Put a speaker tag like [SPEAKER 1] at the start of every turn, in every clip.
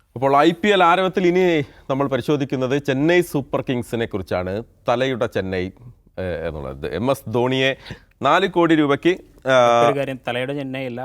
[SPEAKER 1] അപ്പോൾ IPL ആരവത്തിൽ ഇനി നമ്മൾ പരിശോധിക്കുന്നത് ചെന്നൈ സൂപ്പർ കിങ്സിനെ കുറിച്ചാണ്. തലയുടെ ചെന്നൈ എന്നുള്ളത് MS ധോണിയെ 4 കോടി രൂപയ്ക്ക്
[SPEAKER 2] തലയുടെ ചെന്നൈ അല്ല,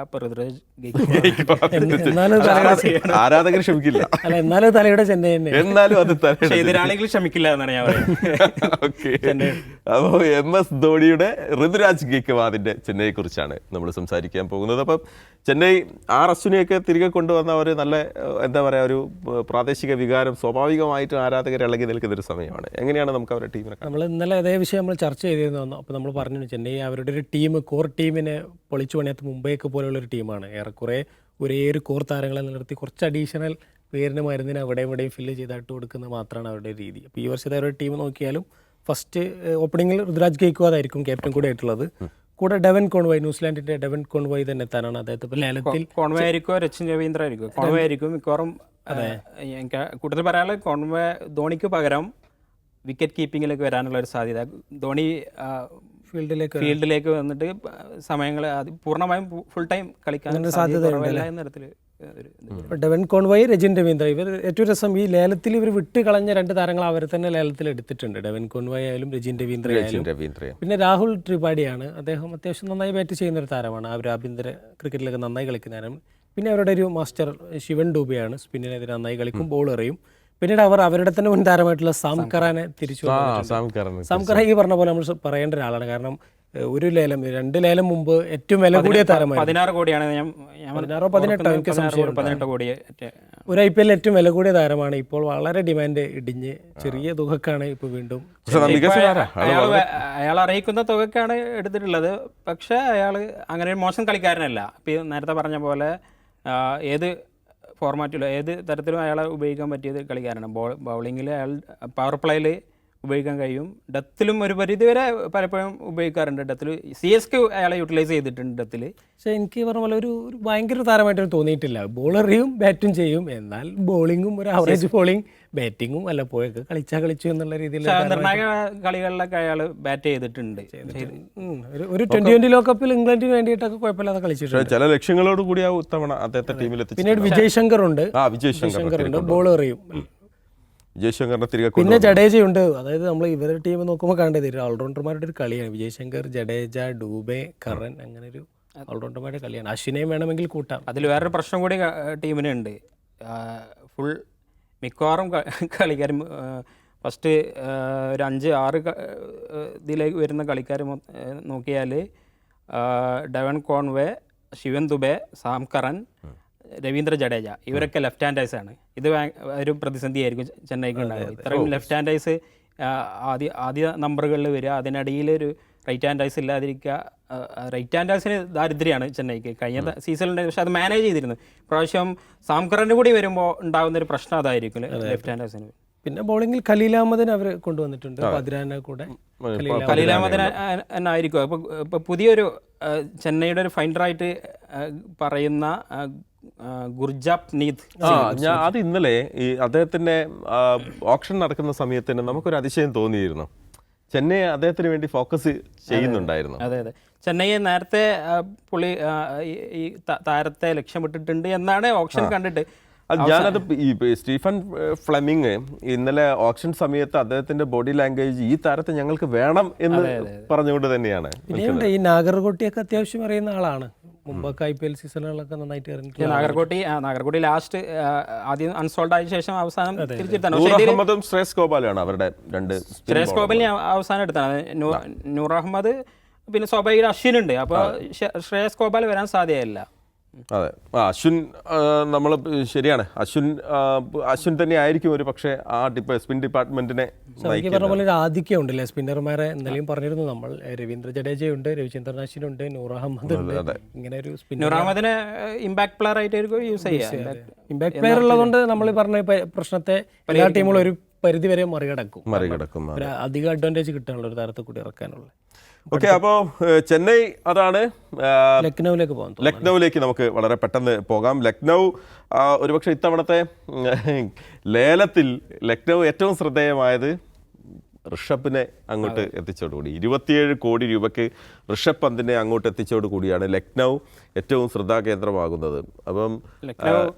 [SPEAKER 1] ആരാധകർ ക്ഷമിക്കില്ല,
[SPEAKER 3] എന്നാലും തലയുടെ ചെന്നൈ
[SPEAKER 1] എന്നാലും അത്
[SPEAKER 2] എതിരാളികൾ ക്ഷമിക്കില്ല എന്നാണ് ഞാൻ
[SPEAKER 1] പറയുന്നത്. അപ്പോൾ MS ധോണിയുടെ ഋതുരാജ് ഗെയ്ക്വാദിന്റെ ചെന്നൈയെ കുറിച്ചാണ് നമ്മൾ സംസാരിക്കാൻ പോകുന്നത്. അപ്പം ചെന്നൈ അശ്വിനെയൊക്കെ തിരികെ കൊണ്ടുവന്ന ഒരു നല്ല എന്താ പറയുക, ഒരു പ്രാദേശിക വികാരം സ്വാഭാവികമായിട്ടും ആരാധകർ ഇളകി നിൽക്കുന്ന ഒരു സമയമാണ്. എങ്ങനെയാണ് നമുക്ക് അവരുടെ ടീമിനെ?
[SPEAKER 3] നമ്മൾ ഇന്നലെ അതേ വിഷയം നമ്മൾ ചർച്ച ചെയ്തിരുന്നു. അപ്പോൾ നമ്മൾ പറഞ്ഞു ചെന്നൈ അവരുടെ ഒരു ടീം, കോർ ടീമിനെ പൊളിച്ചു പണിയാത്ത മുംബൈയൊക്കെ പോലെയുള്ളൊരു ടീമാണ്. ഏറെക്കുറെ ഒരേ ഒരു കോർ താരങ്ങളെ നിലനിർത്തി കുറച്ച് അഡീഷണൽ പേരിന് മരുന്നിന് അവിടെയും ഇവിടെയും ഫില്ല് ചെയ്തിട്ട് കൊടുക്കുന്നത് മാത്രമാണ് അവരുടെ രീതി. അപ്പോൾ ഈ വർഷത്തെ അവരുടെ ടീം നോക്കിയാലും ഫസ്റ്റ് ഓപ്പണിങ്ങിൽ ഋതുരാജ് ഗെയ്ക്വാദായിരിക്കും ക്യാപ്റ്റൻ കൂടെ ആയിട്ടുള്ളത്. കൂടെ ഡെവൻ കോൺവോയ്, ന്യൂസിലാൻഡിന്റെ ഡെവൻ കോൺവോയ് തന്നെ എത്താനാണ് അദ്ദേഹത്തെ ലേലത്തിൽ.
[SPEAKER 2] കോൺവേ ആയിരിക്കും, രച്ചിൻ രവീന്ദ്ര ആയിരിക്കും, കോൺവേ ആയിരിക്കും മിക്കവാറും. എനിക്ക് കൂടുതൽ പറയാനുള്ളത് കോൺവേ ധോണിക്ക് പകരം വിക്കറ്റ് കീപ്പിങ്ങിലേക്ക് വരാനുള്ള ഒരു സാധ്യത. ധോണി ഫീൽഡിലേക്ക് വന്നിട്ട് സമയങ്ങൾ പൂർണ്ണമായും ഫുൾ ടൈം കളിക്കാൻ സാധ്യത.
[SPEAKER 3] ഡെവൻ കോൺവോയ്, രജിൻ രവീന്ദ്ര, ഇവർ ഏറ്റവും രസം ഈ ലേലത്തിൽ ഇവർ വിട്ട് കളഞ്ഞ 2 താരങ്ങൾ അവർ തന്നെ ലേലത്തിൽ എടുത്തിട്ടുണ്ട്. ഡെവൻ കോൺവോയ് ആയാലും രജിൻ രവീന്ദ്ര ആയാലും. പിന്നെ രാഹുൽ ത്രിപാഠിയാണ്, അദ്ദേഹം അത്യാവശ്യം നന്നായി ബാറ്റ് ചെയ്യുന്ന ഒരു താരമാണ്. അവർ ആഭ്യന്തര ക്രിക്കറ്റിലൊക്കെ നന്നായി കളിക്കുന്നതാണ്. പിന്നെ അവരുടെ ഒരു മാസ്റ്റർ ശിവൻ ഡൂബെയാണ്, സ്പിന്നിനെതിരെ നന്നായി കളിക്കും, ബോൾ എറിയും. പിന്നീട് അവർ അവരുടെ തന്നെ മുൻ താരമായിട്ടുള്ള സാം കറാനെ തിരിച്ചു. സാം കറ ഈ പറഞ്ഞ പോലെ നമ്മൾ പറയേണ്ട ഒരാളാണ്. കാരണം ഒരു ലേലം 2 ലേലം മുമ്പ് ഏറ്റവും വില കൂടിയ താരമാണ്.
[SPEAKER 2] 16 കോടിയാണ്,
[SPEAKER 3] 16 18 എനിക്ക് സംശയം.
[SPEAKER 2] 18 കോടി
[SPEAKER 3] ഒരു IPL ഏറ്റവും വില കൂടിയ താരമാണ്. ഇപ്പോൾ വളരെ ഡിമാൻഡ് ഇടിഞ്ഞ് ചെറിയ തുകക്കാണ് ഇപ്പോൾ വീണ്ടും
[SPEAKER 2] അയാൾ അറിയിക്കുന്ന തുകക്കാണ് എടുത്തിട്ടുള്ളത്. പക്ഷേ അയാൾ അങ്ങനെ ഒരു മോശം കളിക്കാരനല്ല. ഇപ്പം നേരത്തെ പറഞ്ഞ പോലെ ഏത് ഫോർമാറ്റിലും ഏത് തരത്തിലും അയാളെ ഉപയോഗിക്കാൻ പറ്റിയത് കളിക്കാരാണ്. ബൗളിങ്ങിൽ അയാൾ പവർ പ്ലേയിൽ ഉപയോഗിക്കാൻ കഴിയും. ഡെത്തിലും ഒരു പരിധിവരെ പലപ്പോഴും ഉപയോഗിക്കാറുണ്ട്. ഡെത്തിൽ CSK അയാളെ യൂട്ടിലൈസ് ചെയ്തിട്ടുണ്ട് ഡെത്തിൽ.
[SPEAKER 3] പക്ഷേ എനിക്ക് പറഞ്ഞ പോലെ ഒരു ഭയങ്കര താരമായിട്ട് തോന്നിയിട്ടില്ല. ബോളറിയും ബാറ്റും ചെയ്യും, എന്നാൽ ബോളിങ്ങും ഒരു ആവറേജ് ബോളിംഗ്, ബാറ്റിങ്ങും വല്ലപ്പോഴൊക്കെ കളിച്ചു എന്നുള്ള രീതിയിൽ
[SPEAKER 2] നിർണായക കളികളിലൊക്കെ അയാൾ ബാറ്റ് ചെയ്തിട്ടുണ്ട്.
[SPEAKER 3] ഒരു T20 ലോകകപ്പിൽ ഇംഗ്ലണ്ടിന് വേണ്ടിയിട്ടൊക്കെ കുഴപ്പമില്ലാതെ കളിച്ചിട്ടുണ്ട്.
[SPEAKER 1] ചില ലക്ഷ്യങ്ങളോട് കൂടി അദ്ദേഹത്തെ ടീമിലെത്തി.
[SPEAKER 3] പിന്നീട് വിജയ് ശങ്കർ ഉണ്ട്, ബോൾ എറിയും. പിന്നെ ജഡേജയുണ്ട്. അതായത് നമ്മൾ ഇവരുടെ ടീം നോക്കുമ്പോൾ കണ്ടത് ഓൾറൗണ്ടർമാരുടെ ഒരു കളിയാണ്. വിജയ് ശങ്കർ, ജഡേജ, ഡൂബെ, കറൻ, അങ്ങനെ ഒരു ഓൾറൗണ്ടർമാരുടെ കളിയാണ്. അശ്വിനെയും വേണമെങ്കിൽ കൂട്ടാം.
[SPEAKER 2] അതിൽ വേറൊരു പ്രശ്നം കൂടി ടീമിനുണ്ട്. ഫുൾ മിക്കവാറും കളിക്കാരും ഫസ്റ്റ് ഒരു 5-6 ഇതിലേക്ക് വരുന്ന കളിക്കാർ നോക്കിയാൽ Devon Conway, Shivan Dube, Sam Curran, Ravindra Jadeja, ഇവരൊക്കെ ലെഫ്റ്റ് ഹാൻഡേഴ്സാണ്. ഇത് ഒരു പ്രതിസന്ധിയായിരിക്കും ചെന്നൈക്ക് ഉണ്ടായത്. ഇത്രയും ലെഫ്റ്റ് ഹാൻഡേഴ്സ് ആദ്യ നമ്പറുകളിൽ വരിക, അതിനിടയിൽ ഒരു റൈറ്റ് ഹാൻഡേഴ്സ് ഇല്ലാതിരിക്കുക. റൈറ്റ് ഹാൻഡേഴ്സിന് ദാരിദ്ര്യമാണ് ചെന്നൈക്ക് കഴിഞ്ഞ സീസണിൽ. പക്ഷെ അത് മാനേജ് ചെയ്തിരുന്നു. പ്രാവശ്യം സാംകറിൻ്റെ കൂടി വരുമ്പോൾ ഉണ്ടാകുന്നൊരു പ്രശ്നം അതായിരിക്കും ലെഫ്റ്റ് ഹാൻഡേഴ്സിന്.
[SPEAKER 3] പിന്നെ ബോളിംഗിൽ ഖലീൽ അഹമ്മദിനെ അവർ കൊണ്ടുവന്നിട്ടുണ്ട്, പതിരാനെ കൂടെ.
[SPEAKER 2] ഖലീൽ അഹമ്മദിനെ ആയിരിക്കും ഇപ്പോൾ പുതിയൊരു ചെന്നൈയുടെ ഒരു ഫൈൻഡറായിട്ട് പറയുന്ന ഗുർജാപ് നീത്.
[SPEAKER 1] അത് ഇന്നലെ ഈ അദ്ദേഹത്തിന്റെ ഓപ്ഷൻ നടക്കുന്ന സമയത്ത് തന്നെ നമുക്കൊരു അതിശയം തോന്നിയിരുന്നു. ചെന്നൈ അദ്ദേഹത്തിന് വേണ്ടി ഫോക്കസ് ചെയ്യുന്നുണ്ടായിരുന്നു.
[SPEAKER 2] അതെ, ചെന്നൈയെ നേരത്തെ പുള്ളി ഈ താരത്തെ ലക്ഷ്യമിട്ടിട്ടുണ്ട് എന്നാണ് ഓപ്ഷൻ കണ്ടിട്ട്.
[SPEAKER 1] ഞാനത് ഈ സ്റ്റീഫൻ ഫ്ലെമിങ് ഇന്നലെ ഓപ്ഷൻ സമയത്ത് അദ്ദേഹത്തിന്റെ ബോഡി ലാംഗ്വേജ് ഈ താരത്തെ ഞങ്ങൾക്ക് വേണം എന്ന് പറഞ്ഞുകൊണ്ട് തന്നെയാണ്.
[SPEAKER 3] പിന്നെ ഈ നാഗർകോട്ടിയൊക്കെ അത്യാവശ്യം അറിയുന്ന ആളാണ്. മുമ്പൊക്കെ IPL സീസണുകളൊക്കെ നന്നായിട്ട് ഇറങ്ങിയിട്ടുണ്ട്.
[SPEAKER 2] നാഗർകോട്ടി ലാസ്റ്റ് ആദ്യം അൺസോൾഡ് ആയ ശേഷം അവസാനം
[SPEAKER 1] തിരിച്ചെടുത്താണ്. ശ്രേയസ് ഗോപാലാണ് അവരുടെ 2.
[SPEAKER 2] ശ്രേയസ് ഗോപാലിനെ അവസാനം എടുത്താണ്. നൂർ അഹമ്മദ്, പിന്നെ സ്വാഭാവിക അശ്വിനുണ്ട്. അപ്പോൾ ശ്രേയസ് ഗോപാൽ വരാൻ സാധ്യതയില്ല.
[SPEAKER 1] അതെ, അശ്വിൻ നമ്മൾ ശരിയാണ്. അശ്വിൻ തന്നെ ആയിരിക്കും ഒരു പക്ഷേ ആ സ്പിൻ ഡിപ്പാർട്ട്മെന്റിനെ
[SPEAKER 3] പറഞ്ഞ പോലെ ഒരു ആധിക്യം ഉണ്ടല്ലേ സ്പിന്നർമാരെ. ഇന്നലെയും പറഞ്ഞിരുന്നു നമ്മൾ. രവീന്ദ്ര ജഡേജയുണ്ട്, രവിചന്ദ്രൻ അശ്വിനുണ്ട്, നൂർ അഹമ്മദ് ഉണ്ട്. ഇങ്ങനെ ഒരു
[SPEAKER 2] നൂർ അഹമ്മദിനെ ഇമ്പാക്ട് പ്ലെയർ ആയിട്ട് യൂസ് ചെയ്യാം.
[SPEAKER 3] ഇമ്പാക്ട് പ്ലെയർ ഉള്ളതുകൊണ്ട് നമ്മൾ പറഞ്ഞ പ്രശ്നത്തെ എല്ലാ ടീമുകളും ഒരു പരിധി വരെ മറികടക്കും. അധികം അഡ്വാൻറ്റേജ് കിട്ടാനുള്ള ഒരു താരത്തെ കൂടി ഇറക്കാനുള്ള.
[SPEAKER 1] ഓക്കെ, അപ്പോൾ ചെന്നൈ അതാണ്.
[SPEAKER 3] ലക്നൌവിലേക്ക്
[SPEAKER 1] നമുക്ക് വളരെ പെട്ടെന്ന് പോകാം. ലക്നൗ ഒരുപക്ഷെ ഇത്തവണത്തെ ലേലത്തിൽ ലക്നൗ ഏറ്റവും ശ്രദ്ധേയമായത് ഋഷഭിനെ അങ്ങോട്ട് എത്തിച്ചോടുകൂടി 27 കോടി രൂപയ്ക്ക് ഋഷഭ് പന്തിനെ അങ്ങോട്ട് എത്തിച്ചോടുകൂടിയാണ് ലക്നൗ ഏറ്റവും ശ്രദ്ധാകേന്ദ്രമാകുന്നത്. അപ്പം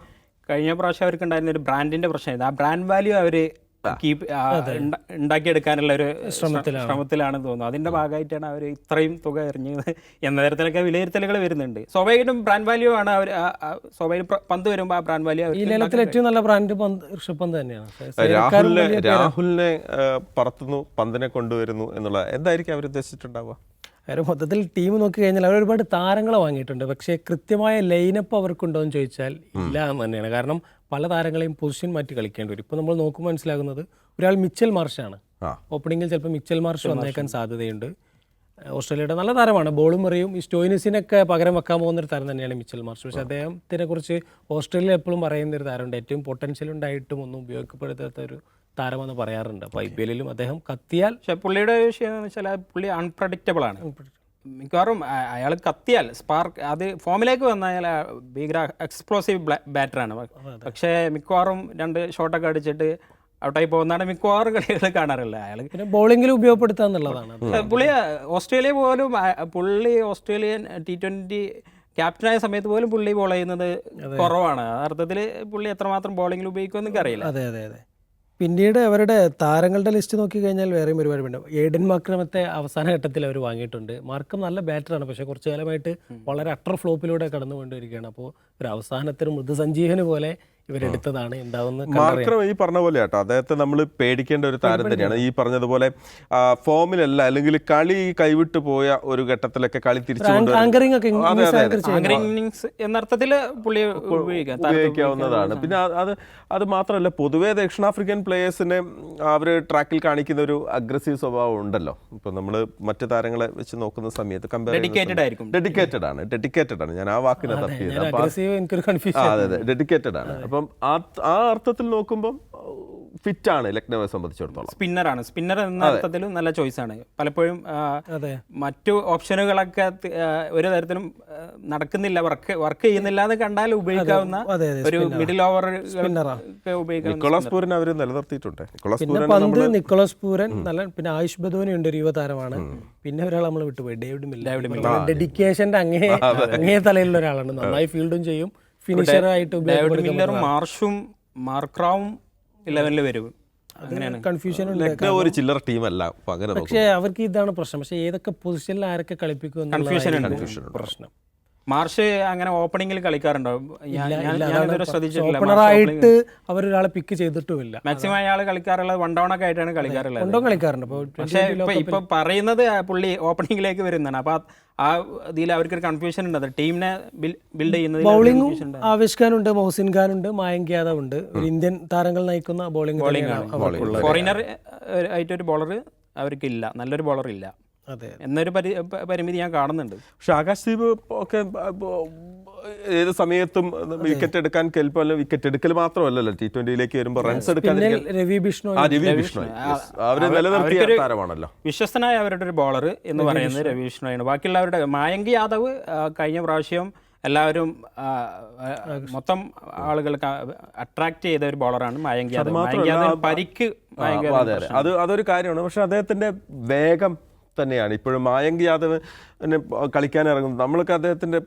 [SPEAKER 2] കഴിഞ്ഞ പ്രാവശ്യം അവർക്ക് ഉണ്ടായിരുന്ന ഒരു ബ്രാൻഡിന്റെ പ്രശ്നമായിരുന്നു. ആ ബ്രാൻഡ് വാല്യൂ അവർ ഉണ്ടാക്കിയെടുക്കാനുള്ള ഒരു ശ്രമത്തിലാണെന്ന് തോന്നുന്നു. അതിന്റെ ഭാഗമായിട്ടാണ് അവർ ഇത്രയും തുക എറിഞ്ഞത് എന്ന തരത്തിലൊക്കെ വിലയിരുത്തലുകൾ വരുന്നുണ്ട്. സ്വാഭാവികമായിട്ടും ബ്രാൻഡ് വാല്യൂ ആണ് അവർ സ്വാഭാവിക പന്ത് വരുമ്പോൾ ആ ബ്രാൻഡ് വാല്യൂ
[SPEAKER 3] ഈ ലേലത്തിൽ ഏറ്റവും നല്ല ബ്രാൻഡ് ഋഷഭ് പന്ത് തന്നെയാണ്.
[SPEAKER 1] രാഹുലിനെ പറത്തുന്നു, പന്തിനെ കൊണ്ടുവരുന്നു എന്നുള്ള എന്തായിരിക്കും അവർ ഉദ്ദേശിച്ചിട്ടുണ്ടാവുക?
[SPEAKER 3] അവർ മൊത്തത്തിൽ ടീം നോക്കി കഴിഞ്ഞാൽ അവർ ഒരുപാട് താരങ്ങളെ വാങ്ങിയിട്ടുണ്ട്. പക്ഷേ കൃത്യമായ ലൈനപ്പ് അവർക്കുണ്ടോ എന്ന് ചോദിച്ചാൽ ഇല്ല എന്ന് തന്നെയാണ്. കാരണം പല താരങ്ങളെയും പൊസിഷൻ മാറ്റി കളിക്കേണ്ടി വരും. ഇപ്പോൾ നമ്മൾ നോക്കുമ്പോൾ മനസ്സിലാകുന്നത് ഒരാൾ മിച്ചൽ മാർഷാണ്. ഓപ്പണിങ്ങിൽ ചിലപ്പോൾ മിച്ചൽ മാർഷ് വന്നേക്കാൻ സാധ്യതയുണ്ട്. ഓസ്ട്രേലിയയുടെ നല്ല താരമാണ്, ബോളും എറിയും. ഈ സ്റ്റോയിനിസിനൊക്കെ പകരം വെക്കാൻ പോകുന്നൊരു താരം തന്നെയാണ് മിച്ചൽ മാർഷ്. പക്ഷേ അദ്ദേഹത്തിനെ കുറിച്ച് ഓസ്ട്രേലിയ എപ്പോഴും പറയുന്നൊരു താരമുണ്ട്, ഏറ്റവും പൊട്ടൻഷ്യൽ ഉണ്ടായിട്ടും ഒന്നും ഉപയോഗപ്പെടുത്താത്ത ഒരു താരമെന്ന് പറയാറുണ്ട്. അപ്പോൾ IPL-ലും അദ്ദേഹം കത്തിയാൽ.
[SPEAKER 2] പക്ഷെ പുള്ളിയുടെ വിഷയം എന്ന് വെച്ചാൽ പുള്ളി അൺപ്രഡിക്റ്റബിൾ ആണ്. മിക്കവാറും അയാൾ കത്തിയാൽ സ്പാർക്ക് അത് ഫോമിലേക്ക് വന്നാൽ ഭീകര എക്സ്പ്ലോസീവ് ബാറ്ററാണ്. പക്ഷേ മിക്കവാറും 2 ഷോട്ടൊക്കെ അടിച്ചിട്ട് ഔട്ടായി പോകുന്നതാണ് മിക്കവാറും കളികൾ കാണാറില്ല. അയാൾ
[SPEAKER 3] പിന്നെ ബോളിങ്ങിൽ ഉപയോഗപ്പെടുത്തുക എന്നുള്ളതാണ്.
[SPEAKER 2] പുള്ളി ഓസ്ട്രേലിയ പോലും പുള്ളി ഓസ്ട്രേലിയൻ T20 ക്യാപ്റ്റനായ സമയത്ത് പോലും പുള്ളി ബോൾ ചെയ്യുന്നത് കുറവാണ്. ആ അർത്ഥത്തിൽ പുള്ളി എത്രമാത്രം ബോളിങ്ങിൽ ഉപയോഗിക്കുമെന്ന് എനിക്കറിയില്ല.
[SPEAKER 3] അതെ അതെ അതെ. പിന്നീട് അവരുടെ താരങ്ങളുടെ ലിസ്റ്റ് നോക്കിക്കഴിഞ്ഞാൽ വേറെയും ഒരുപാട് ഉണ്ട്. ഏഡൻ മാർക്രമത്തെ അവസാന ഘട്ടത്തിൽ അവർ വാങ്ങിയിട്ടുണ്ട്. മാർക്കം നല്ല ബാറ്ററാണ്, പക്ഷേ കുറച്ചു കാലമായിട്ട് വളരെ അട്ടർ ഫ്ലോപ്പിലൂടെ കടന്നു കൊണ്ടിരിക്കുകയാണ്. അപ്പോൾ ഒരു അവസാനത്തിന് മൃദുസഞ്ജീവന് പോലെ ഇവരെടുത്തതാണ്. എന്താവുന്ന
[SPEAKER 1] മാർക്രം ഈ പറഞ്ഞ പോലെ കേട്ടോ, അദ്ദേഹത്തെ നമ്മൾ പേടിക്കേണ്ട ഒരു താരം തന്നെയാണ്. ഈ പറഞ്ഞതുപോലെ ഫോമിലല്ല, അല്ലെങ്കിൽ കളി കൈവിട്ടു പോയ ഒരു ഘട്ടത്തിലൊക്കെ കളി തിരിച്ചു
[SPEAKER 2] എന്നർത്ഥത്തിൽ പുള്ളി
[SPEAKER 1] ഉപയോഗിക്കാവുന്നതാണ്. പിന്നെ അത് മാത്രമല്ല, പൊതുവേ ദക്ഷിണാഫ്രിക്കൻ പ്ലേയേഴ്സിനെ അവർ ട്രാക്കിൽ കാണിക്കുന്ന ഒരു അഗ്രസീവ് സ്വഭാവം ഉണ്ടല്ലോ. ഇപ്പൊ നമ്മൾ മറ്റു താരങ്ങളെ വെച്ച് നോക്കുന്ന സമയത്ത് ഡെഡിക്കേറ്റഡ് ആണ്. ഞാൻ ആ വാക്കിനെ തപ്പിയത്. അതെ, ഡെഡിക്കേറ്റഡ് ആണ്. അപ്പം ആ അർത്ഥത്തിൽ നോക്കുമ്പോൾ ഫിറ്റാണ് ലക്നൌവെ സംബന്ധിച്ചിടത്തോളം.
[SPEAKER 2] സ്പിന്നർ എന്ന അർത്ഥത്തിലും നല്ല ചോയ്സാണ്. പലപ്പോഴും മറ്റു ഓപ്ഷനുകളൊക്കെ ഒരു തരത്തിലും നടക്കുന്നില്ല, വർക്ക് ചെയ്യുന്നില്ല എന്ന് കണ്ടാൽ ഉപയോഗിക്കാവുന്ന ഒരു മിഡിൽ ഓവർ ഉപയോഗിക്കാം.
[SPEAKER 1] നിക്കോളാസ് പൂരൻ അവർ നിലനിർത്തിയിട്ടുണ്ട്.
[SPEAKER 3] നിക്കോളാസ് പൂരൻ നല്ല, പിന്നെ ആയുഷ് ബദോനി ഉണ്ട്, ഒരു യുവതാരമാണ്. പിന്നെ ഒരാൾ നമ്മൾ വിട്ടുപോയി, ഡേവിഡ് മില്ലർ. ഡെഡിക്കേഷന്റെ അങ്ങേ തലയിലുള്ള ഒരാളാണ്. നന്നായി ഫീൽഡും ചെയ്യും, ഫിനിഷറായിട്ട്.
[SPEAKER 2] ഡേവിഡ് മില്ലറും മാർഷും മാർക്രാവും 11 വരും. അങ്ങനെയാണ്.
[SPEAKER 3] കൺഫ്യൂഷൻ
[SPEAKER 1] ഒരു ചില്ലറ ടീമല്ല.
[SPEAKER 3] പക്ഷേ അവർക്ക് ഇതാണ് പ്രശ്നം. പക്ഷേ ഏതൊക്കെ പൊസിഷനിൽ ആരൊക്കെ കളിപ്പിക്കും
[SPEAKER 2] കൺഫ്യൂഷൻ പ്രശ്നം. മാർഷ് അങ്ങനെ ഓപ്പണിംഗിൽ കളിക്കാറുണ്ടോ? ശ്രദ്ധിച്ചിട്ടില്ല.
[SPEAKER 3] ഓപ്പണറായിട്ട് അവരൊരാളെ പിക്ക് ചെയ്തിട്ടുമില്ല.
[SPEAKER 2] മാക്സിമം അയാൾ കളിക്കാറുള്ളത് 1 ഡൗൺ ഒക്കെ ആയിട്ടാണ് കളിക്കാറുള്ളത്.
[SPEAKER 3] കളിക്കാറുണ്ട്.
[SPEAKER 2] പക്ഷേ ഇപ്പൊ പറയുന്നത് പുള്ളി ഓപ്പണിംഗിലേക്ക് വരുന്നതാണ്. അപ്പൊ ആ ഇതിൽ അവർക്കൊരു കൺഫ്യൂഷൻ ഉണ്ട്. അത് ടീമിനെ ബിൽഡ് ചെയ്യുന്നത്.
[SPEAKER 3] ബൗളിംഗും ആവേശ് ഖാൻ ഉണ്ട്, മൊഹസിൻ ഖാൻ ഉണ്ട്, മായങ്ക് യാദവ് ഉണ്ട്. ഒരു ഇന്ത്യൻ താരങ്ങൾ നയിക്കുന്ന ബോളിംഗ്.
[SPEAKER 2] ഫോറിനർ ആയിട്ടൊരു ബോളർ അവർക്കില്ല, നല്ലൊരു ബോളർ ഇല്ല എന്നൊരു പരിമിതി ഞാൻ കാണുന്നുണ്ട്.
[SPEAKER 1] പക്ഷെ ആകാശ്ദീപ് ഒക്കെ ഏത് സമയത്തും വിക്കറ്റ് എടുക്കാൻ കെൽപ്പല്ല. വിക്കറ്റ് എടുക്കൽ മാത്രമല്ലല്ലോ, T20യിലേക്ക് വരുമ്പോൾ റൺസ് എടുക്കാൻ
[SPEAKER 3] രവി ബിഷ്ണോയ്
[SPEAKER 1] അവര് നിലനിർത്തിയ താരമാണല്ലോ.
[SPEAKER 2] വിശ്വസ്തനായ അവരുടെ ഒരു ബോളർ എന്ന് പറയുന്നത് രവി ബിഷ്ണോയാണ്. ബാക്കിയുള്ളവരുടെ മായങ്ക് യാദവ് കഴിഞ്ഞ പ്രാവശ്യം എല്ലാവരും മൊത്തം ആളുകൾക്ക് അട്രാക്ട് ചെയ്ത ഒരു ബോളറാണ് മായങ്ക് യാദവ്. പരിക്ക്
[SPEAKER 1] അതൊരു കാര്യമാണ്. പക്ഷെ അദ്ദേഹത്തിന്റെ വേഗം തന്നെയാണ് ഇപ്പോഴും മായങ്ക് യാദവ് കളിക്കാൻ ഇറങ്ങുന്നത്. നമ്മളൊക്കെ അദ്ദേഹത്തിൻ്റെ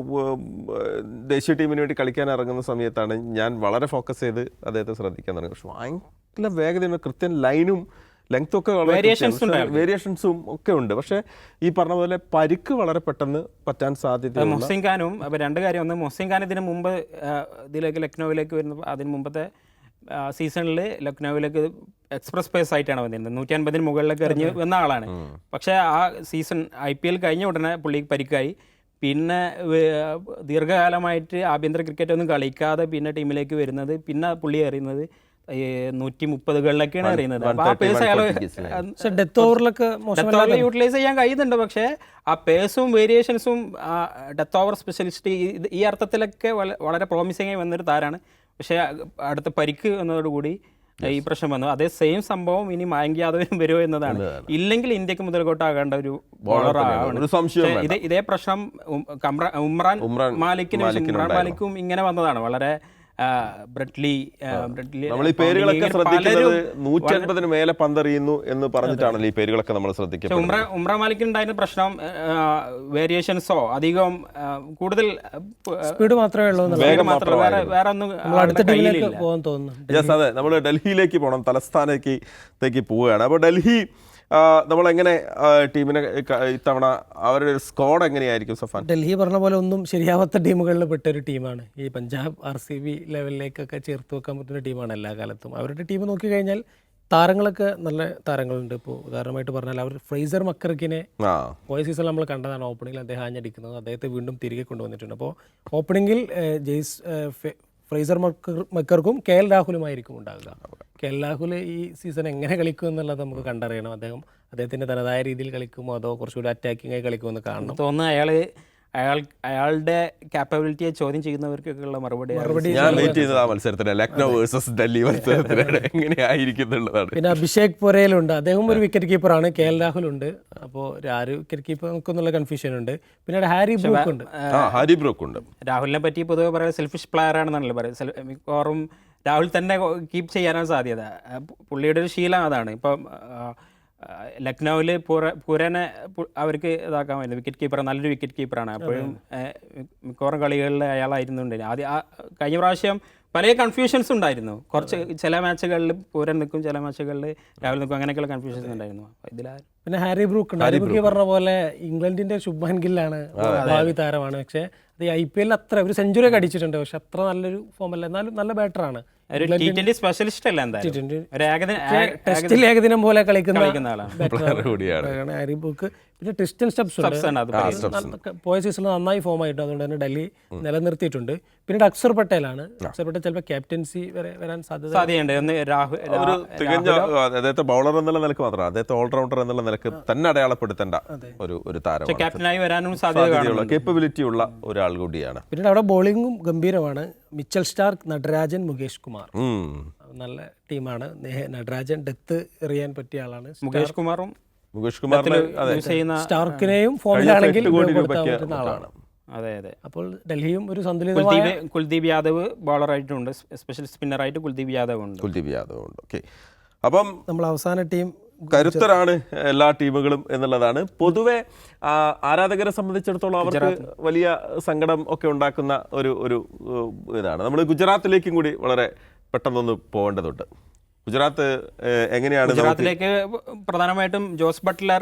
[SPEAKER 1] ദേശീയ ടീമിന് വേണ്ടി കളിക്കാൻ ഇറങ്ങുന്ന സമയത്താണ് ഞാൻ വളരെ ഫോക്കസ് ചെയ്ത് അദ്ദേഹത്തെ ശ്രദ്ധിക്കാൻ തുടങ്ങി. പക്ഷെ ഭയങ്കര വേഗതയുണ്ട്, കൃത്യം ലൈനും ലെങ്ത്തും ഒക്കെ വേരിയേഷൻസും ഒക്കെ ഉണ്ട്. പക്ഷേ ഈ പറഞ്ഞ പോലെ പരിക്ക് വളരെ പെട്ടെന്ന് പറ്റാൻ സാധ്യത.
[SPEAKER 2] മൊഹസിൻ ഖാനും അപ്പോൾ 2 കാര്യം. ഒന്ന്, മൊഹസിൻ ഖാൻ ഇതിന് മുമ്പ് ലക്നൌവിലേക്ക് വരുന്ന അതിന് മുമ്പത്തെ സീസണിൽ ലക്നൌവിലേക്ക് എക്സ്പ്രസ് പേസ് ആയിട്ടാണ് വന്നിരുന്നത്. 150 മുകളിലേക്ക് എറിഞ്ഞ് വന്ന ആളാണ്. പക്ഷേ ആ സീസൺ IPL കഴിഞ്ഞ ഉടനെ പുള്ളിക്ക് പരിക്കായി. പിന്നെ ദീർഘകാലമായിട്ട് ആഭ്യന്തര ക്രിക്കറ്റ് ഒന്നും കളിക്കാതെ പിന്നെ ടീമിലേക്ക് വരുന്നത്. പിന്നെ പുള്ളി എറിയുന്നത് 130കളിലൊക്കെയാണ് എറിയുന്നത്. അപ്പോൾ ആ പേസ് അയാൾ
[SPEAKER 3] ഡെത്ത് ഓവറിലൊക്കെ
[SPEAKER 2] യൂട്ടിലൈസ് ചെയ്യാൻ കഴിയുന്നുണ്ട്. പക്ഷേ ആ പേസും വേരിയേഷൻസും ഡെത്ത് ഓവർ സ്പെഷ്യലിസ്റ്റ് ഈ അർത്ഥത്തിലൊക്കെ വളരെ പ്രോമിസിംഗ് ആയി വന്നൊരു താരമാണ്. പക്ഷേ അടുത്ത പരിക്ക് എന്നതോടുകൂടി ഈ പ്രശ്നം വന്നു. അതേ സെയിം സംഭവം ഇനി മായങ്ക് യാദവിനും വരുമോ എന്നതാണ്. ഇല്ലെങ്കിൽ ഇന്ത്യക്ക് മുതൽക്കോട്ടാകേണ്ട ഒരു ബോളറാണ്. ഇതേ പ്രശ്നം ഉമ്രാൻ മാലിക്കും ഇങ്ങനെ വന്നതാണ്. വളരെ ബ്രെഡ്ലി
[SPEAKER 1] നമ്മൾ ഈ പേരുകളൊക്കെ ശ്രദ്ധിക്കുന്നത് 150 മേലെ പന്തെറിയുന്നു എന്ന് പറഞ്ഞിട്ടാണല്ലോ ഈ പേരുകളൊക്കെ നമ്മൾ ശ്രദ്ധിക്കുന്നത്.
[SPEAKER 2] ഉംറ മാലിക്കിന് ഉണ്ടായിരുന്ന പ്രശ്നം വേരിയേഷൻസോ അധികം കൂടുതൽ
[SPEAKER 3] സ്പീഡ് മാത്രമേ ഉള്ളൂ,
[SPEAKER 2] വേറെ ഒന്നും
[SPEAKER 3] അടുത്ത ടീമിലേക്ക് പോകാൻ തോന്നുന്നു.
[SPEAKER 1] യെസ്, അതെ, നമ്മൾ ഡൽഹിയിലേക്ക് പോകണം, തലസ്ഥാനത്തേക്ക് പോവുകയാണ്. അപ്പോൾ ഡൽഹി നമ്മളെങ്ങനെ ടീമിനെ ഇത്തവണ അവരുടെ ഒരു സ്ക്വാഡ് എങ്ങനെയായിരിക്കും സഫാൻ?
[SPEAKER 3] ഡൽഹി പറഞ്ഞ പോലെ ഒന്നും ശരിയാവാത്ത ടീമുകളിൽ പെട്ട ഒരു ടീമാണ്. ഈ പഞ്ചാബ് RCB ലെവലിലേക്കൊക്കെ ചേർത്ത് വെക്കാൻ പറ്റുന്ന ടീമാണ് എല്ലാ കാലത്തും. അവരുടെ ടീം നോക്കിക്കഴിഞ്ഞാൽ താരങ്ങളൊക്കെ നല്ല താരങ്ങളുണ്ട്. ഇപ്പോൾ ഉദാഹരണമായിട്ട് പറഞ്ഞാൽ അവർ ഫ്രേസർ മക്കർക്കിനെ പോയ സീസണിൽ നമ്മൾ കണ്ടതാണ്. ഓപ്പണിങ്ങിൽ അദ്ദേഹം ആഞ്ഞടിക്കുന്നത്, അദ്ദേഹത്തെ വീണ്ടും തിരികെ കൊണ്ടുവന്നിട്ടുണ്ട്. അപ്പോൾ ഓപ്പണിങ്ങിൽ ഫ്രേസർ മക്കർക്കും KL രാഹുലുമായിരിക്കും ഉണ്ടാകുക. KL രാഹുൽ ഈ സീസൺ എങ്ങനെ കളിക്കും എന്നുള്ളത് നമുക്ക് കണ്ടറിയണം. അദ്ദേഹത്തിൻ്റെ തനതായ രീതിയിൽ കളിക്കുമോ അതോ കുറച്ചുകൂടി അറ്റാക്കിംഗ് ആയി കളിക്കുമെന്ന് കാണണം.
[SPEAKER 2] തോന്നുന്നു അയാളുടെ കാപ്പബിലിറ്റിയെ ചോദ്യം ചെയ്യുന്നവർക്കൊക്കെയുള്ള മറുപടി
[SPEAKER 1] ഞാൻ വെയിറ്റ് ചെയ്യുന്നത് ആ മത്സരത്തിന്, ലക്നൗ വേഴ്സസ് ഡൽഹി മത്സരത്തിന് എങ്ങനെയായിരിക്കുന്നുള്ളതാണ്.
[SPEAKER 3] പിന്നെ അഭിഷേക് പൊരേലുണ്ട്, അദ്ദേഹം ഒരു വിക്കറ്റ് കീപ്പറാണ്. KL രാഹുൽ ഉണ്ട്. അപ്പോൾ ആര് വിക്കറ്റ് കീപ്പർ നമുക്കൊന്നുള്ള കൺഫ്യൂഷൻ ഉണ്ട്. പിന്നീട് ഹാരി ബ്രൂക്ക് ഉണ്ട്.
[SPEAKER 2] രാഹുലിനെ പറ്റി പൊതുവെ പറയുന്നത് സെൽഫിഷ് പ്ലെയർ ആണെന്നാണല്ലോ പറയുന്നത്. മിക്കവാറും രാഹുൽ തന്നെ കീപ്പ് ചെയ്യാനാണ് സാധ്യത. പുള്ളിയുടെ ഒരു ശീലം അതാണ്. ഇപ്പം ലക്നൌവിൽ പൂരനെ അവർക്ക് ഇതാക്കാമായിരുന്നു. വിക്കറ്റ് കീപ്പർ, നല്ലൊരു വിക്കറ്റ് കീപ്പറാണ്. അപ്പോഴും മിക്കവാറും കളികളിൽ അയാളായിരുന്നുണ്ട്. കഴിഞ്ഞ പ്രാവശ്യം പല കൺഫ്യൂഷൻസ് ഉണ്ടായിരുന്നു. കുറച്ച് ചില മാച്ചുകളിൽ പൂരൻ നിൽക്കും, ചില മാച്ചുകളിൽ രാഹുൽ നിൽക്കും, അങ്ങനെയൊക്കെയുള്ള കൺഫ്യൂഷൻസ് ഉണ്ടായിരുന്നു.
[SPEAKER 3] പിന്നെ ഹാരി ബ്രൂക്ക് ഉണ്ട്. ഹാരി ബ്രൂക്ക് പറഞ്ഞ പോലെ ഇംഗ്ലണ്ടിന്റെ ശുഭ്മാൻ ഗില്ലാണ്, ഭാവി താരമാണ്. പക്ഷേ അത് IPL അത്ര ഒരു സെഞ്ചുറി ഒക്കെ അടിച്ചിട്ടുണ്ട്. പക്ഷെ അത്ര നല്ലൊരു ഫോമല്ല, എന്നാലും നല്ല ബാറ്ററാണ്.
[SPEAKER 2] സ്പെഷ്യലിസ്റ്റ് അല്ല,
[SPEAKER 3] ടെസ്റ്റിൽ ഏകദിനം പോലെ കളിക്കുന്ന
[SPEAKER 1] കൂടിയാണ്
[SPEAKER 3] ഹാരി ബ്രൂക്ക്. പിന്നെ ട്രിസ്റ്റൻ സ്റ്റബ്സ് പോയ സീസണിൽ നന്നായി ഫോം ആയിട്ട്, അതുകൊണ്ട് തന്നെ ഡൽഹി നിലനിർത്തിയിട്ടുണ്ട്. പിന്നീട് അക്സർ പട്ടേലാണ്. അക്സർ പട്ടേൽ ചിലപ്പോൾ ക്യാപ്റ്റൻസി വരെ വരാൻ
[SPEAKER 2] സാധ്യതയുണ്ട്.
[SPEAKER 1] അദ്ദേഹത്തെ ബൗളർ എന്നുള്ള നിലക്ക് മാത്രമല്ല, അദ്ദേഹത്തെ ഓൾറൗണ്ടർ എന്നുള്ള നിലക്ക് തന്നെ അടയാളപ്പെടുത്തേണ്ട ഒരു താരം,
[SPEAKER 2] ക്യാപ്റ്റനായി വരാനും സാധ്യതയുള്ള
[SPEAKER 1] കേപ്പബിലിറ്റി ഉള്ള ഒരാൾ കൂടിയാണ്.
[SPEAKER 3] പിന്നീട് അവിടെ ബോളിംഗും ഗംഭീരമാണ്. മിച്ചൽ സ്റ്റാർക്ക്, നടരാജൻ, മുകേഷ് കുമാർ നല്ല ടീമാണ്. നടരാജൻ ഡെത്ത് എറിയാൻ പറ്റിയ ആളാണ്.
[SPEAKER 2] മുകേഷ്
[SPEAKER 1] കുമാറിനെ
[SPEAKER 3] സ്റ്റാർക്കിനെയും ഫോമിലാണെങ്കിൽ
[SPEAKER 1] ആളാണ്.
[SPEAKER 2] അതെ അതെ.
[SPEAKER 3] അപ്പോൾ ഡൽഹിയും ഒരു സന്തുലിതമായ
[SPEAKER 2] കുൽദീപ് യാദവ് ബോളറായിട്ടുണ്ട്. സ്പെഷ്യൽ സ്പിന്നറായിട്ട് കുൽദീപ് യാദവ് ഉണ്ട്.
[SPEAKER 1] ഓക്കെ, അപ്പം നമ്മൾ
[SPEAKER 3] അവസാന ടീം
[SPEAKER 1] കരുത്തരാണ് എല്ലാ ടീമുകളും എന്നുള്ളതാണ്. പൊതുവെ ആരാധകരെ സംബന്ധിച്ചിടത്തോളം അവർക്ക് വലിയ സങ്കടം ഒക്കെ ഉണ്ടാക്കുന്ന ഒരു ഇതാണ്. നമ്മൾ ഗുജറാത്തിലേക്കും കൂടി വളരെ പെട്ടെന്നൊന്ന് പോകേണ്ടതുണ്ട്. ഗുജറാത്ത് എങ്ങനെയാണ്?
[SPEAKER 2] ഗുജറാത്തിലേക്ക് പ്രധാനമായിട്ടും ജോസ്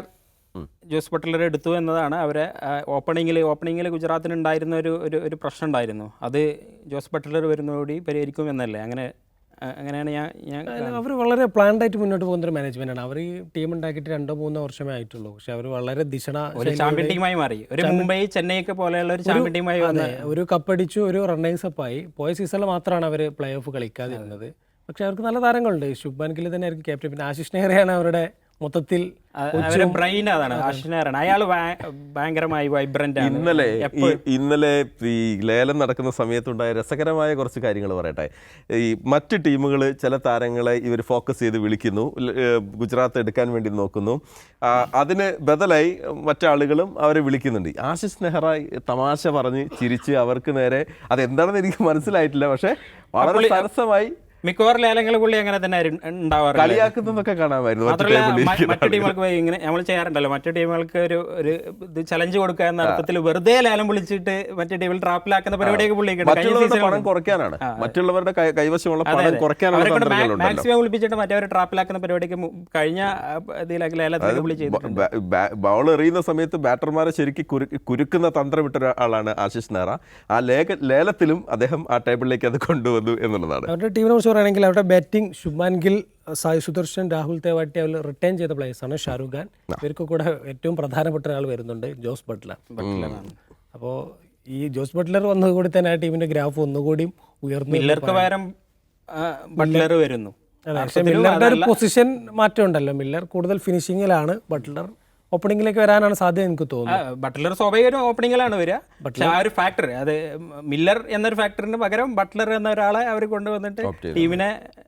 [SPEAKER 2] ബട്ട്ലർ എടുത്തു എന്നതാണ്. അവരെ ഓപ്പണിങ്ങിൽ ഗുജറാത്തിന് ഉണ്ടായിരുന്ന ഒരു പ്രശ്നം ഉണ്ടായിരുന്നു. അത് ജോസ് ബട്ട്ലർ വരുന്നതോടെ പരിഹരിക്കും എന്നല്ലേ? അങ്ങനെയാണ് ഞാൻ
[SPEAKER 3] അവർ വളരെ പ്ലാൻഡ് ആയിട്ട് മുന്നോട്ട് പോകുന്ന ഒരു മാനേജ്മെന്റാണ്. അവർ ഈ ടീം ഉണ്ടാക്കിയിട്ട് 2-3 വർഷമേ ആയിട്ടുള്ളൂ. പക്ഷെ അവർ വളരെ
[SPEAKER 2] ചാമ്പ്യൻ ടീമായി മാറി. ഒരു മുംബൈ, ചെന്നൈ ഒക്കെ പോലെയുള്ള ഒരു ചാമ്പ്യൻ ടീമായി
[SPEAKER 3] ഒരു കപ്പടിച്ചു, ഒരു റണ്ണേഴ്സ് അപ്പ് ആയി. പോയ സീസണിൽ മാത്രമാണ് അവർ പ്ലേ ഓഫ് കളിക്കാതിരുന്നത്. പക്ഷെ അവർക്ക് നല്ല താരങ്ങളുണ്ട്. ശുഭ്മാൻ ഗിൽ തന്നെ ആയിരിക്കും ക്യാപ്റ്റൻ. പിന്നെ ആശിഷ് നെഹ്റയാണ് അവരുടെ മൊത്തത്തിൽ
[SPEAKER 2] ബ്രെയിൻ. അതാണ് അയാൾ ഭയങ്കരമായി വൈബ്രന്റ് ആണ്.
[SPEAKER 1] ഇന്നലെ ഈ ലേലം നടക്കുന്ന സമയത്തുണ്ടായ രസകരമായ കുറച്ച് കാര്യങ്ങൾ പറയട്ടെ. ഈ മറ്റ് ടീമുകൾ ചില താരങ്ങളെ ഇവർ ഫോക്കസ് ചെയ്ത് വിളിക്കുന്നു, ഗുജറാത്ത് എടുക്കാൻ വേണ്ടി നോക്കുന്നു. അതിന് ബദലായി മറ്റാളുകളും അവരെ വിളിക്കുന്നുണ്ട്. ആശിഷ് നെഹ്റ തമാശ പറഞ്ഞ് ചിരിച്ച് അവർക്ക് നേരെ, അതെന്താണെന്ന് എനിക്ക് മനസ്സിലായിട്ടില്ല, പക്ഷെ വളരെ സരസമായി
[SPEAKER 2] മിക്കവാറും ലേലങ്ങൾ പുള്ളി അങ്ങനെ തന്നെ ഉണ്ടാവാറ്.
[SPEAKER 1] കളിയാക്കുന്നതൊക്കെ കാണാമായിരുന്നു.
[SPEAKER 2] മറ്റു ടീമുകൾക്ക് ഇങ്ങനെ നമ്മൾ ചെയ്യാറുണ്ടല്ലോ, മറ്റു ടീമുകൾക്ക് ഒരു ഇത് ചലഞ്ച് കൊടുക്കുക എന്ന അർത്ഥത്തിൽ വെറുതെ ലേലം വിളിച്ചിട്ട് മറ്റു ടീമിൽ ട്രാപ്പിലാക്കുന്ന പരിപാടിയൊക്കെ പുള്ളിക്ക്
[SPEAKER 1] പണം കുറയ്ക്കാനാണ്, മറ്റുള്ളവരുടെ കൈവശമുള്ള പണം കുറയ്ക്കാനാണ്
[SPEAKER 2] മാക്സിമം വിളിപ്പിച്ചിട്ട് മറ്റവരെ ട്രാപ്പിലാക്കുന്ന പരിപാടിക്ക് കഴിഞ്ഞ ഇതിലൊക്കെ ലേലത്തിൽ പുള്ളി ചെയ്തിട്ടുണ്ട്.
[SPEAKER 1] ബോൾ എറിയുന്ന സമയത്ത് ബാറ്റർമാരെ ശരിക്കും കുരുക്കുന്ന തന്ത്രം വിട്ട ഒരാളാണ് ആശിഷ് നെഹ്റ. ആ ലേലത്തിലും അദ്ദേഹം ആ ടേബിളിലേക്ക് അത് കൊണ്ടുവന്നു എന്നുള്ളതാണ്.
[SPEAKER 3] അവരുടെ ടീമിനെ ണെങ്കിൽ അവരുടെ ബാറ്റിംഗ് ശുഭ്മാൻ ഗിൽ, സായ് സുദർശൻ, രാഹുൽ തേവാട്ടി അവർ റിട്ടേൺ ചെയ്ത പ്ലേയേഴ്സാണ്. ഷാരൂഖ് ഖാൻ, ഇവർക്ക് കൂടെ ഏറ്റവും പ്രധാനപ്പെട്ട ഒരാൾ വരുന്നുണ്ട്, ജോസ് ബട്ട്ലർ. അപ്പോൾ ഈ ജോസ് ബട്ട്ലർ വന്നതുകൂടി തന്നെ ആ ടീമിന്റെ ഗ്രാഫ് ഒന്നുകൂടി ഉയർന്നു.
[SPEAKER 2] മില്ലർക്ക് പകരം ബട്ട്ലർ വരുന്നു.
[SPEAKER 3] പക്ഷേ മില്ലറുടെ ഒരു പൊസിഷൻ മാറ്റം ഉണ്ടല്ലോ. മില്ലർ കൂടുതൽ ഫിനിഷിങ്ങിലാണ്, ബട്ട്ലർ ഓപ്പണിംഗിലേക്ക് വരാനാണ് സാധ്യത എനിക്ക് തോന്നുന്നു.
[SPEAKER 2] ബട്ട്ലർ സ്വാഭാവികം ഓപ്പണിംഗിലാണ് വരിക. പക്ഷേ ആ ഒരു ഫാക്ടർ, അത് മില്ലർ എന്നൊരു ഫാക്ടറിന് പകരം ബട്ട്ലർ എന്ന ഒരാളെ അവർ കൊണ്ടുവന്നിട്ട് ടീമിനെ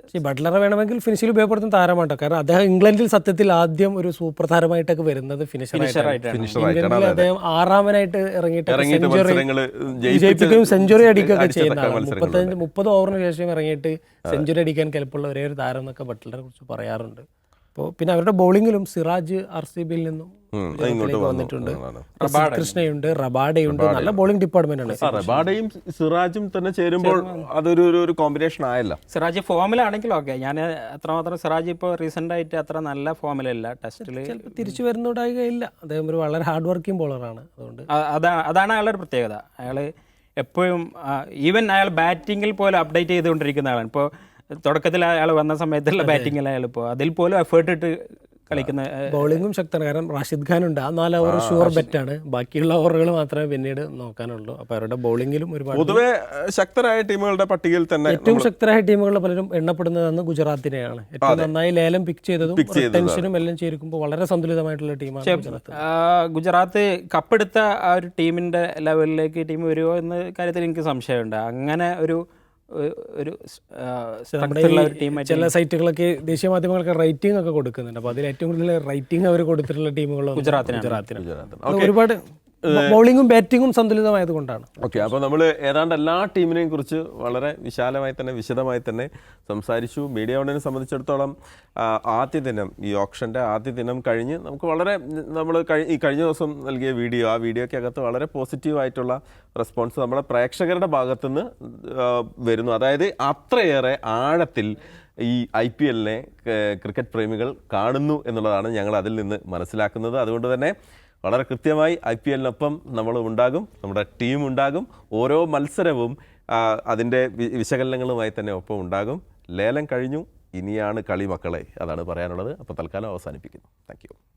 [SPEAKER 3] ബട്ട്ലറെ വേണമെങ്കിൽ ഫിനിഷിൽ ഉപയോഗപ്പെടുത്തുന്ന താരമാട്ടോ. കാരണം അദ്ദേഹം ഇംഗ്ലണ്ടിൽ സത്യത്തിൽ ആദ്യം ഒരു സൂപ്പർ താരമായിട്ടൊക്കെ വരുന്നത് ഫിനിഷറായിട്ടാണ്. ഇംഗ്ലണ്ടിൽ അദ്ദേഹം 6-ാമനായിട്ട് ഇറങ്ങിയിട്ട് ജയിപ്പിക്കുകയും സെഞ്ചുറി അടിക്കുകയൊക്കെ ചെയ്യുന്ന 30 ഓവറിന് ശേഷം ഇറങ്ങിയിട്ട് സെഞ്ചുറി അടിക്കാൻ കെൽപ്പുള്ള ഒരേ ഒരു താരം എന്നൊക്കെ ബട്ട്ലറെ കുറിച്ച് പറയാറുണ്ട്. അപ്പോൾ പിന്നെ അവരുടെ ബൗളിങ്ങിലും സിറാജ് RCBയിൽ നിന്നും വന്നിട്ടുണ്ട്, കൃഷ്ണയുണ്ട്, റബാഡയുണ്ട്, നല്ല ബോളിംഗ് ഡിപ്പാർട്ട്മെന്റ് ആണ്.
[SPEAKER 1] റബാഡയും സിറാജും തന്നെ ചേരുമ്പോൾ അതൊരു കോമ്പിനേഷൻ ആയല്ലോ.
[SPEAKER 2] സിറാജ് ഫോമിലാണെങ്കിലും ഓക്കെ, ഞാൻ അത്രമാത്രം സിറാജ് ഇപ്പോൾ റീസെന്റ് ആയിട്ട് അത്ര നല്ല ഫോമിലല്ല. ടെസ്റ്റിൽ
[SPEAKER 3] തിരിച്ചു വരുന്നുണ്ടാകുകയില്ല. അദ്ദേഹം ഒരു വളരെ ഹാർഡ് വർക്കിംഗ് ബോളറാണ്. അതുകൊണ്ട്
[SPEAKER 2] അതാണ് അയാളുടെ ഒരു പ്രത്യേകത. അയാൾ എപ്പോഴും ഈവൻ അയാൾ ബാറ്റിങ്ങിൽ പോലും അപ്ഡേറ്റ് ചെയ്തുകൊണ്ടിരിക്കുന്ന ആളാണ്. ഇപ്പോൾ തുടക്കത്തിൽ അയാൾ വന്ന സമയത്തുള്ള ബാറ്റിങ്ങിൽ അയാൾ ഇപ്പോൾ അതിൽ പോലും എഫേർട്ട് ഇട്ട് കളിക്കുന്ന.
[SPEAKER 3] ബൗളിംഗും ശക്തമാണ്. കാരണം റാഷിദ് ഖാൻ ഉണ്ട്, ആ 4 ഓവർ ഷുവർ ബെറ്റാണ്. ബാക്കിയുള്ള ഓവറുകൾ മാത്രമേ പിന്നീട് നോക്കാനുള്ളൂ. അപ്പോൾ അവരുടെ ബൗളിങ്ങിലും ഒരുപാട്
[SPEAKER 1] പൊതുവെ ശക്തരായ ടീമുകളുടെ പട്ടികയിൽ തന്നെ
[SPEAKER 3] ഏറ്റവും ശക്തരായ ടീമുകളിൽ പലരും എണ്ണപ്പെടുന്നതെന്ന് ഗുജറാത്തിനെയാണ്. ഏറ്റവും നന്നായി ലേലം പിക്ക് ചെയ്തതും ടെൻഷനും എല്ലാം ചേർക്കുമ്പോൾ വളരെ സന്തുലിതമായിട്ടുള്ള ടീമാണ്
[SPEAKER 2] ഗുജറാത്ത്. കപ്പെടുത്ത ആ ഒരു ടീമിന്റെ ലെവലിലേക്ക് ടീം വരുമോ എന്ന കാര്യത്തിൽ എനിക്ക് സംശയമുണ്ട്. അങ്ങനെ ഒരു
[SPEAKER 3] ചില സൈറ്റുകളൊക്കെ ദേശീയ മാധ്യമങ്ങളൊക്കെ റേറ്റിംഗ് ഒക്കെ കൊടുക്കുന്നുണ്ട്. അപ്പോൾ അതിൽ ഏറ്റവും കൂടുതൽ റേറ്റിംഗ് അവർ കൊടുത്തിട്ടുള്ള ടീമുകൾ ഗുജറാത്തിനാണ്. ഒരുപാട് ബൗളിങ്ങും ബാറ്റിങ്ങും സന്തുലിതമായത് കൊണ്ടാണ്.
[SPEAKER 1] ഓക്കെ, അപ്പോൾ നമ്മൾ ഏതാണ്ട് എല്ലാ ടീമിനെയും കുറിച്ച് വളരെ വിശാലമായി തന്നെ വിശദമായി തന്നെ സംസാരിച്ചു. മീഡിയ വണ്ണിനെ സംബന്ധിച്ചിടത്തോളം ആദ്യ ദിനം, ഈ ഓപ്ഷൻ്റെ ആദ്യ ദിനം കഴിഞ്ഞ് നമുക്ക് വളരെ ഈ കഴിഞ്ഞ ദിവസം നൽകിയ വീഡിയോ, ആ വീഡിയോയ്ക്കകത്ത് വളരെ പോസിറ്റീവായിട്ടുള്ള റെസ്പോൺസ് നമ്മുടെ പ്രേക്ഷകരുടെ ഭാഗത്തുനിന്ന് വരുന്നു. അതായത് അത്രയേറെ ആഴത്തിൽ ഈ IPL-നെ ക്രിക്കറ്റ് പ്രേമികൾ കാണുന്നു എന്നുള്ളതാണ് ഞങ്ങൾ അതിൽ നിന്ന് മനസ്സിലാക്കുന്നത്. അതുകൊണ്ട് തന്നെ വളരെ കൃത്യമായി IPL-നൊപ്പം നമ്മൾ ഉണ്ടാകും, നമ്മുടെ ടീം ഉണ്ടാകും. ഓരോ മത്സരവും അതിൻ്റെ വിശകലനങ്ങളുമായി തന്നെ ഒപ്പം ഉണ്ടാകും. ലേലം കഴിഞ്ഞു, ഇനിയാണ് കളി മക്കളെ, അതാണ് പറയാനുള്ളത്. അപ്പോൾ തൽക്കാലം അവസാനിപ്പിക്കുന്നു. Thank U.